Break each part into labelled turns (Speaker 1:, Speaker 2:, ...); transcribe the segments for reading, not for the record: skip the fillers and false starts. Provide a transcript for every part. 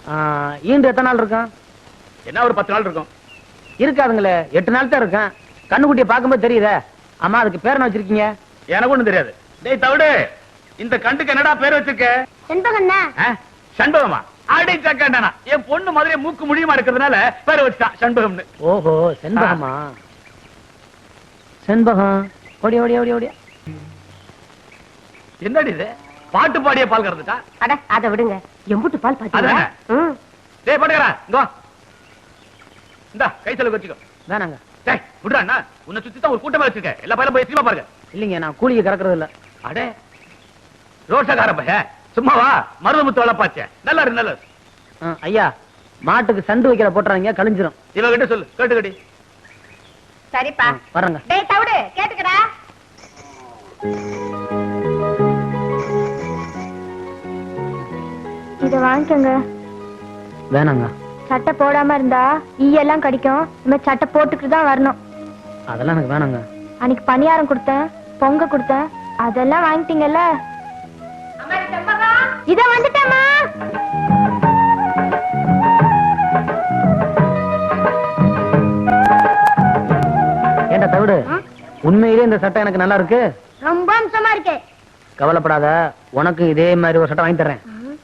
Speaker 1: ஈண்டு எத்தனை நாள் இருக்கும்?
Speaker 2: என்ன ஒரு 10 நாள் இருக்கும்.
Speaker 1: இருக்காதுங்களே, 8 நாள் தான் இருக்கும். கண்ணுக்குட்டியை பார்க்கும்போது தெரியுதே. அம்மா அதுக்கு பேர் என்ன வச்சிருக்கீங்க?
Speaker 2: எனக்கு ஒண்ணும் தெரியாது. டேய் தவிடு, இந்த கண்டுக்கு என்னடா பேர் வச்சிருக்க?
Speaker 3: செண்பகம்னா.
Speaker 2: சண்பகமா? அடி சக்கண்டனா. என் பொண்ணு மாதிரியே மூக்கு முடியுமா இருக்கிறதுனால பேர் வச்சிட்டான் சண்பகம்னு.
Speaker 1: ஓஹோ, செண்பகமா? செண்பகம். ஓடி ஓடி ஓடி ஓடி.
Speaker 2: என்னடி இது? பாட்டு பாடிய பால் கறந்துட்டா?
Speaker 3: அட அத விடுங்க. எம்புட்டு பால் பாத்தீங்களா?
Speaker 2: டேய் பாட்டுக்கறா, இங்க வா. இந்தா கை செலவு வச்சுக்கோ.
Speaker 1: வேணாங்க.
Speaker 2: டேய் விடுடா அண்ணா. உன்னை சுத்தி தான் ஒரு கூட்டமா வச்சிருக்க. எல்லா பையலும் போய் சினிமா பாருங்க.
Speaker 1: இல்லைங்க, நான் கூலிக்கு கறக்கிறது இல்ல.
Speaker 2: அடே ரோஷக்கார பையன். சும்மா வா, மருதமுத்து வளப்பாச்சே. நல்லா இருக்கு, நல்லா இருக்கு.
Speaker 1: ஐயா, மாட்டுக்கு சண்டு வைக்கிற போட்டுறாங்க, கழிஞ்சிரும்.
Speaker 2: இவகிட்ட சொல்லு, கேட்டுக்கடி.
Speaker 3: சரிப்பா,
Speaker 1: வரங்க.
Speaker 3: டேய் தவிடு, கேட்டுக்கடா. இத வாங்கிக்கங்க.
Speaker 1: வேணாங்க.
Speaker 3: சட்டை போடாம இருந்தா ஈயெல்லாம் கடிக்கும். நம்ம சட்டை போட்டுக்கிட்டு தான் வரணும்.
Speaker 1: அதெல்லாம் எனக்கு வேணாங்க.
Speaker 3: அன்னைக்கு பணியாரம் கொடுத்தேன், பொங்க கொடுத்தேன், அதெல்லாம் வாங்கிட்டீங்கல்ல. இத வந்துட்டேம்மா.
Speaker 1: ஏண்டா தவிடு, உண்மையிலே இந்த சட்டை எனக்கு நல்லா இருக்கு.
Speaker 3: ரொம்ப அம்சமா இருக்கு.
Speaker 1: கவலைப்படாத, உனக்கு இதே மாதிரி ஒரு சட்டை வாங்கி தர்றேன்.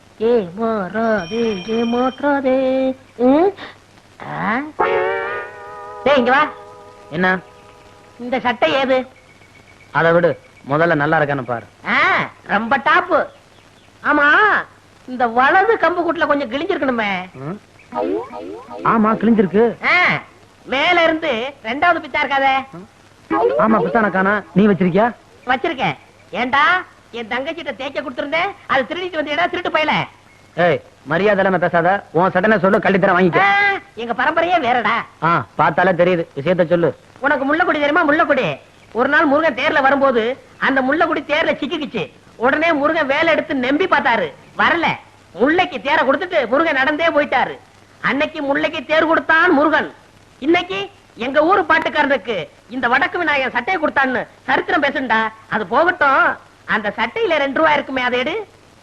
Speaker 4: இங்க வா.
Speaker 1: என்ன
Speaker 4: இந்த சட்டை ஏது?
Speaker 1: அதை விடு, முதல்ல நல்லா இருக்கான்னு பாரு.
Speaker 4: ரொம்ப டாப்பு. ஆமா, இந்த வலது கம்பு கூட்டுல கொஞ்சம் கிழிஞ்சிருக்கணுமே.
Speaker 1: ஆமா, கிழிஞ்சிருக்கு.
Speaker 4: மேல இருந்து 2வது பித்தா இருக்காதே.
Speaker 1: ஆமா, பித்தான காணா. நீ வச்சிருக்கியா?
Speaker 4: வச்சிருக்கேன். ஏண்டா, என் தங்கச்சிட்ட தேய்க்க கொடுத்திருந்தேன், அது திருடிட்டு வந்தீடா, திருட்டு போயல.
Speaker 1: ஏய், மரியாதை இல்லாம பேசாத. உன் சட்டனை சொல்லு, கள்ளி தர வாங்கிக்க.
Speaker 4: எங்க பரம்பரையே வேறடா.
Speaker 1: பார்த்தாலே தெரியுது. விஷயத்த சொல்லு.
Speaker 4: உனக்கு முள்ளக்குடி தெரியுமா? முள்ளக்குடி. ஒரு நாள் முருகன் தேர்ல வரும்போது அந்த முள்ளக்குடி தேர்ல சிக்கிக்குச்சு. உடனே முருகன் வேலை எடுத்து நம்பி பார்த்தாரு, வரல. முல்லைக்கு தேரை கொடுத்துட்டு முருகன் நடந்தே போயிட்டாரு. அன்னைக்கு முல்லைக்கு தேர் கொடுத்தான் முருகன். இன்னைக்கு எங்க ஊரு பாட்டுக்காரனுக்கு இந்த வடக்கு விநாயகன் சட்டையை கொடுத்தான்னு சரித்திரம் பேசுண்டா. அது போகட்டும், அந்த சட்டையில 2 ரூபாய் இருக்குமே, அதை எடு.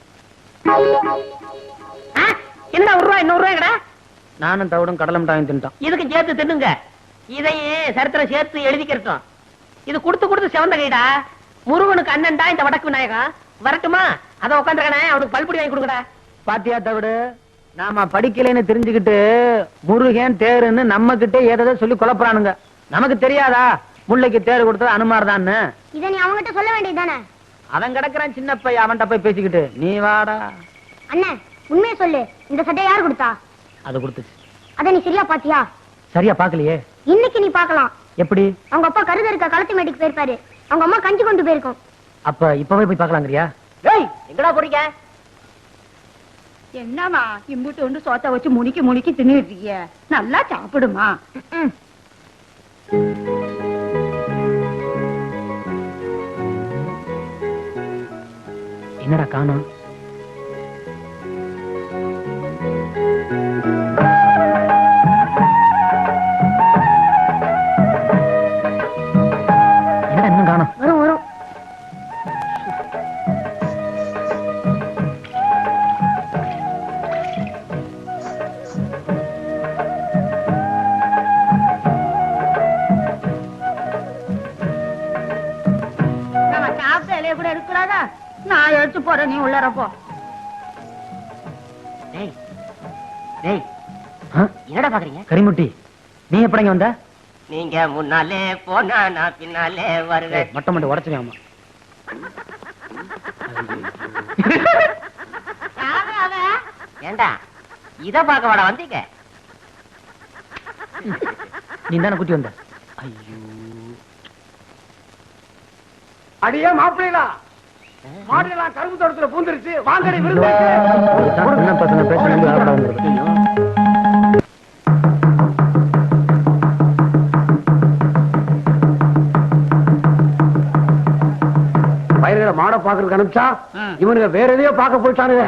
Speaker 4: என்ன 1 ரூபாய்? 100 ரூபாய்டா.
Speaker 1: நானும் தவிடும் கடலை மிட்டாயும் தின்ட்டான்.
Speaker 4: இதுக்கு சேர்த்து தின்னுங்க. இதையே சரித்திரம் சேர்த்து எழுதிக்கிறோம். இது கொடுத்து கொடுத்து செவந்த கைடா. முருகனுக்கு அண்ணன்டா இந்த வடக்கு விநாயகம். வரட்டுமா? அத உட்காந்துருக்கானே, அவனுக்கு பல்புடி வாங்கி கொடுக்கடா.
Speaker 1: பாத்தியா தவிடு, நாம படிக்கலைன்னு தெரிஞ்சுக்கிட்டு முருகன் தேருன்னு நம்ம கிட்டே ஏதாவது சொல்லி குழப்பறானுங்க. நமக்கு தெரியாதா முல்லைக்கு தேர் கொடுத்தது அனுமார் தான்?
Speaker 3: இத நீ அவங்கிட்ட சொல்ல வேண்டியதுதானே?
Speaker 1: அவன் கிடக்குறான் சின்ன பையன், அவன்கிட்ட போய் பேசிக்கிட்டு நீ வாடா.
Speaker 3: அண்ணே, உண்மையை சொல்லு. இந்த சட்டை யார் கொடுத்தா?
Speaker 1: அது கொடுத்துச்சு.
Speaker 3: அத நீ சரியா பாத்தியா?
Speaker 1: சரியா பாக்கலையே.
Speaker 3: இன்னைக்கு நீ பாக்கலாம்.
Speaker 1: எப்படி?
Speaker 3: அவங்க அப்பா கருத இருக்க களத்து மேட்டுக்கு போயிருப்பாரு. அவங்க அம்மா கஞ்சி கொண்டு போயிருக்கும்.
Speaker 1: அப்ப இப்பவே போய் பாக்கலாங்கறியா?
Speaker 4: ஏய், எங்கடா போறீங்க?
Speaker 5: என்னமா இம்புட்டு ஒன்று சோத்த வச்சு முனிக்கி முனிக்கி தின்னுட்டு இருக்கீங்க? நல்லா சாப்பிடுமா.
Speaker 1: என்னடா காணோம்? என்னடா இன்னும் காணோம்?
Speaker 3: வரும் வரும்.
Speaker 5: நம்ம சாப்பிட்ட இலைய கூட எடுக்கலாதா? நான் எடுத்து போறேன், நீ உள்ளார போ.
Speaker 4: டேய் டேய், என்னடா பாக்குறீங்க?
Speaker 1: கரிமுட்டி, நீ எப்படிங்க வந்த?
Speaker 4: நீங்க முன்னாலே போனா நான் பின்னாலே வருவேன்.
Speaker 1: மட்டம் மட்டும் உடச்சுவேன்.
Speaker 4: ஏண்டா, இத பாக்க வாடா வந்தீங்க?
Speaker 1: நீ தானே குட்டி வந்த?
Speaker 2: ஐயோ, அடியே மாப்பிள்ளா, மாடுலாம் கரும்பு தோட்டத்துல பூந்துருச்சு. வாங்கடி விருந்து.
Speaker 1: என்ன பசங்க பேசுறது?
Speaker 2: பயிர்களை மாட பாக்குறதுக்கு அனுப்பிச்சா இவனுங்க வேற எதையோ பார்க்க போயிட்டானுங்க.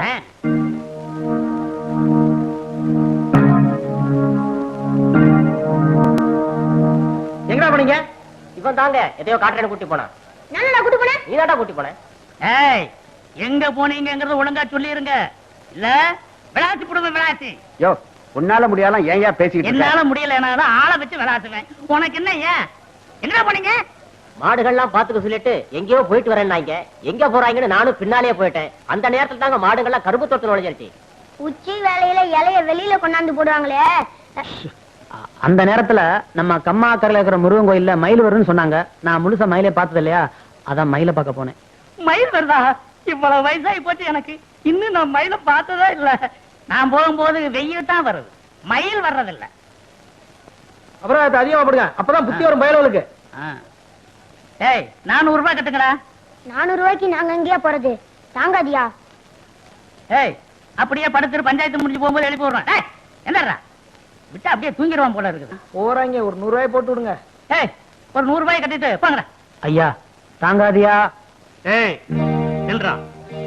Speaker 4: எங்கடா போனீங்க? இவன் தாங்க எதையோ காட்டுறேன்னு கூட்டி போனா.
Speaker 3: நானா கூட்டி போனேன்?
Speaker 4: நீதாடா கூட்டி போன. ஏய், எங்க போனீங்கங்கறத ஒழுங்கா சொல்லிருங்க. இல்ல விளையாட்டு போடுவேன் விளையாட்டு.
Speaker 2: யோ உன்னால முடியாலாம் ஏன் பேசிக்கிட்டு
Speaker 4: என்னால முடியல ஆளை வச்சு விளையாட்டுவேன். உனக்கு என்ன ஏன் என்ன போனீங்க?
Speaker 6: மாடுகள்லாம் பாத்துக்க சொல்லிட்டு எங்கேயோ போயிட்டு வரேன்னாங்க. எங்க போறாங்கன்னு நானும் பின்னாலேயே போயிட்டேன். அந்த நேரத்துல தாங்க மாடுகள்லாம் கரும்பு தோட்டத்துல நுழைஞ்சிருச்சு.
Speaker 3: உச்சி வேலையில இலைய வெளியில கொண்டாந்து போடுவாங்களே.
Speaker 1: அந்த நேரத்துல நம்ம கம்மாக்கரையில இருக்கிற முருகன் கோயில்ல மயில் வரும்னு சொன்னாங்க. நான் முழுசா மயிலே பார்த்தது இல்லையா, அதான் மயில பார்க்க போனேன்.
Speaker 4: மயில் வருதா? இவ்வளவு வயசாகி போச்சு எனக்கு, இன்னும் நான் மயில பார்த்ததா இல்ல. நான் போகும்போது வெயில் தான் வருது, மயில் வர்றதில்ல.
Speaker 1: அப்புறம் அது அதிகமா போடுங்க, அப்பதான் புத்தி வரும் பயலுக்கு.
Speaker 4: ஏய் 400 ரூபாய் கட்டுங்கடா.
Speaker 3: 400 ரூபாய்க்கு நாங்க எங்கேயா போறது? தாங்காதியா?
Speaker 4: ஏய் அப்படியே படுத்துட்டு பஞ்சாயத்து முடிஞ்சு போகும்போது எழுப்பி விடுறேன். ஏய் என்னடா விட்டா அப்படியே தூங்கிடுவான் போல இருக்குது.
Speaker 1: போறாங்க, ஒரு 100 ரூபாய் போட்டு விடுங்க.
Speaker 4: ஏய் ஒரு 100 ரூபாய் கட்டிட்டு போங்கடா.
Speaker 1: ஐயா தாங்காதியா?
Speaker 2: ஏய் நில்றா.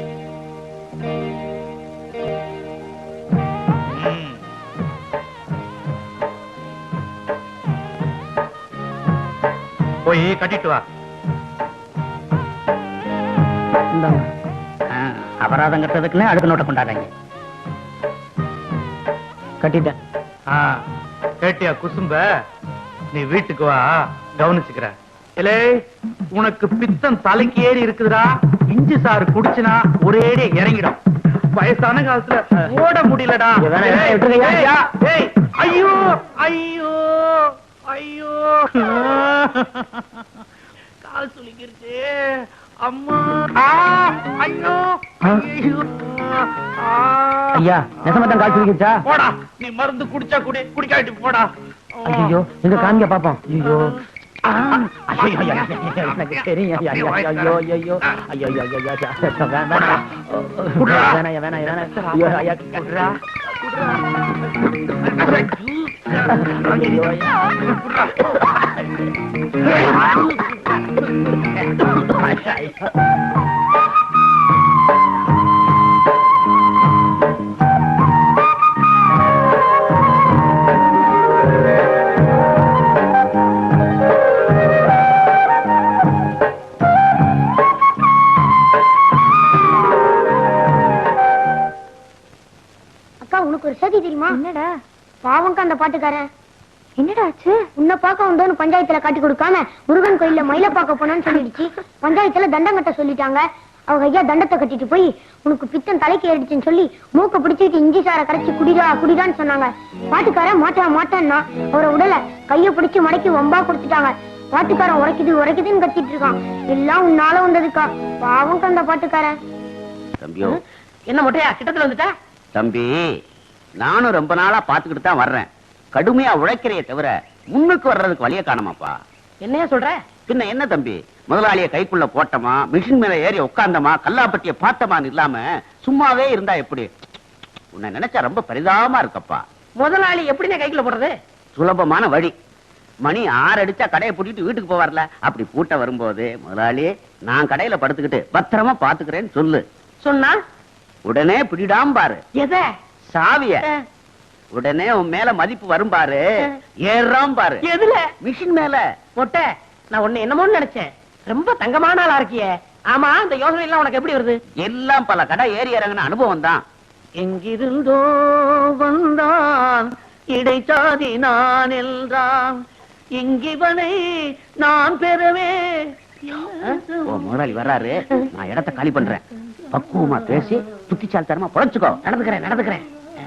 Speaker 2: போய் கட்டிட்டு வா.
Speaker 1: இந்தாங்க.
Speaker 4: அபராதம் கட்டுறதுக்குன்னு அடுத்த நோட்டை கொண்டாடுறாங்க.
Speaker 1: கட்டிட்டேன்.
Speaker 2: கேட்டியா குசும்ப? நீ வீட்டுக்கு வா, கவனிச்சுக்கிற. இல்லே உனக்கு பித்தம் தலைக்கு ஏறி இருக்குதுடா. இஞ்சி சாறு குடிச்சுனா ஒரேடி இறங்கிடும். வயசான காலத்துல ஓட முடியலடா. ஏய் ஐயோ ஐயோ ஐயோ கால் சுளிக்கிருச்சு அம்மா. ஐயோ ஐயோ.
Speaker 1: ஐயா நெசமத்தான் காய்ச்சி வைக்கிச்சா?
Speaker 2: போடா, நீ மருந்து குடிச்சா குடி, குடிக்காட்டி போடா.
Speaker 1: ஐயோ எங்க காமிக்க பாப்போம். ஐயோ
Speaker 2: எனக்கு
Speaker 1: தெரியும். ஐயோ ஐயோ ஐயோ ஐயோ
Speaker 3: அக்கா உனக்கு ஒரு செய்தி தெரியுமா? என்னடா? பாவங்க அந்த பாட்டுக்காரன். என்னடா ஆச்சு? உன்னை பார்க்க வந்தோன்னு பஞ்சாயத்துல காட்டி கொடுக்காம முருகன் கோயில்ல மயில பார்க்க போனான்னு சொல்லிடுச்சு. பஞ்சாயத்துல தண்டம் கட்ட சொல்லிட்டாங்க. அவங்க ஐயா தண்டத்தை கட்டிட்டு போய் உனக்கு பித்தம் தலைக்கு ஏறிடுச்சுன்னு சொல்லி மூக்க பிடிச்சிட்டு இஞ்சி சாரை கரைச்சி குடிடா குடிடான்னு சொன்னாங்க. பாட்டுக்காரன் மாட்டான்னா அவரை உடல கைய பிடிச்சு மடக்கி வம்பா கொடுத்துட்டாங்க. பாட்டுக்காரன் உரைக்குது உரைக்குதுன்னு கத்திட்டு இருக்கான். எல்லாம் உன்னால வந்ததுக்கா. பாவங்க அந்த பாட்டுக்காரன்.
Speaker 6: தம்பியோ
Speaker 4: என்ன மொட்டையா கிட்டத்துல வந்துட்டா?
Speaker 6: தம்பி, நானும் ரொம்ப நாளா பாத்துக்கிட்டு தான் வர்றேன். கடுமையா உழைக்கிறைய தவிர முன்னுக்கு வர்றதுக்கு வழிய காணமாப்பா.
Speaker 4: என்னையா சொல்ற?
Speaker 6: பின்ன என்ன தம்பி, முதலாளிய கைக்குள்ள போட்டமா, மிஷின் மேல ஏறி உட்கார்ந்தமா, கல்லாப்பட்டிய பார்த்தமான்னு இல்லாம சும்மாவே இருந்தா எப்படி? உன்னை நினைச்சா ரொம்ப பரிதாபமா இருக்கப்பா.
Speaker 4: முதலாளி எப்படிங்க கைக்குள்ள போடுறது?
Speaker 6: சுலபமான வழி. மணி 6 அடிச்சா கடையை பூட்டிட்டு வீட்டுக்கு போவார்ல, அப்படி பூட்ட வரும்போது முதலாளி நான் கடையில படுத்துக்கிட்டு பத்திரமா பாத்துக்கிறேன்னு சொல்லு.
Speaker 4: சொன்னா
Speaker 6: உடனே பிடிடாம பாரு
Speaker 4: எத?
Speaker 6: சாவிய. உடனே உன் மேல மதிப்பு வரும் பாரு, ஏறாம் பாரு.
Speaker 4: எதுல?
Speaker 6: மிஷின் மேல.
Speaker 4: மொட்டை நான் உன்னை என்னமோன்னு நினைச்சேன். ரொம்ப தங்கமான ஆளா இருக்கியே. ஆமா இந்த யோசனை எல்லாம் உனக்கு எப்படி வருது?
Speaker 6: எல்லாம் பல கடை ஏறி இறங்கின அனுபவம் தான்.
Speaker 4: எங்கிருந்தோ வந்தான் இடைச்சாதி நான் என்றான், இங்கிவனை நான் பெறவே.
Speaker 6: முதலாளி வர்றாரு, நான் இடத்தை காலி பண்றேன். பக்குவமா பேசி புத்திசாலித்தனமா பொழைச்சுக்கோ.
Speaker 4: நடந்துக்கிறேன்.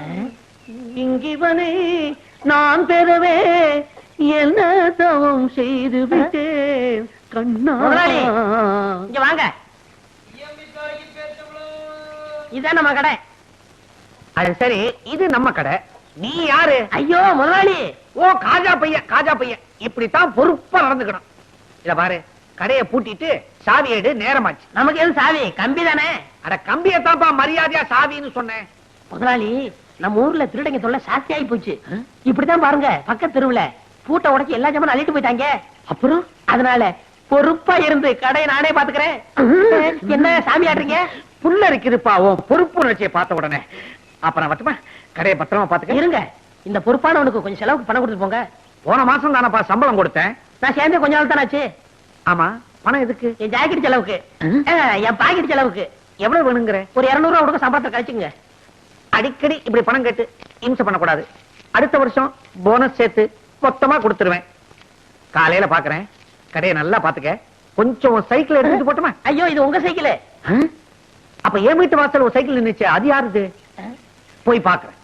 Speaker 4: இங்கிவனை நான் பெறவே என்ன தவம் செய்து விட்டேன் கண்ணா. இங்க வாங்க, இதான் நம்ம கடை.
Speaker 1: அது சரி, இது நம்ம கடை. நீ யாரு?
Speaker 4: ஐயோ முதலாளி.
Speaker 1: ஓ காஜா பையன். இப்படித்தான் பொறுப்பா நடந்துக்கணும். இத பாரு, கடையை பூட்டிட்டு சாவி எடு, நேரமாச்சு.
Speaker 4: நமக்கு எது சாவி? கம்பி தானே.
Speaker 1: அட கம்பியத்தான்ப்பா மரியாதையா சாவின்னு சொன்னேன்.
Speaker 4: முதலாளி நம்ம ஊர்ல திருடங்க தொல்லை சாஸ்தி ஆகி போச்சு. இப்படித்தான் பாருங்க, பக்கத்து தெருவுல பூட்டை உடைச்சு எல்லா ஜாமான் அள்ளிட்டு போயிட்டாங்க. அப்புறம் அதனால பொறுப்பா இருந்து கடையை நானே பாத்துக்கிறேன். என்ன சாமி ஆடுறீங்க?
Speaker 1: புல்ல இருக்குதுப்பா உன் பொறுப்பு உணர்ச்சியை பார்த்த உடனே. அப்புறம் வட்டுமா, கடையை பத்திரமா பாத்துக்க.
Speaker 4: இருங்க, இந்த பொறுப்பானவனுக்கு கொஞ்சம் செலவுக்கு பணம் கொடுத்து போங்க.
Speaker 1: போன மாசம் தானப்பா சம்பளம் கொடுத்தேன்.
Speaker 4: நான் சேர்ந்தே கொஞ்ச நாள் தானே ஆச்சு.
Speaker 1: ஆமா, பணம் எதுக்கு?
Speaker 4: என் ஜாக்கெட் செலவுக்கு, என் பாக்கெட் செலவுக்கு.
Speaker 1: எவ்வளவு வேணுங்கிற?
Speaker 4: ஒரு 200 ரூபா கொடுக்க சம்பளத்தை கழிச்சுங்க.
Speaker 1: அடிக்கடி இப்படி பணம் கேட்டு இம்சை பண்ணக்கூடாது. அடுத்த வருஷம் போனஸ் சேர்த்து மொத்தமா கொடுத்துருவேன். காலையில பாக்குறேன். கடையை நல்லா பாத்துக்க. கொஞ்சம் சைக்கிள் எடுத்துட்டு போட்டுமா?
Speaker 4: ஐயோ இது உங்க சைக்கிள்.
Speaker 1: அப்ப என் வீட்டு வாசல் ஒரு சைக்கிள் நின்னுச்சு, அது யாருது? போய் பாக்குறேன்.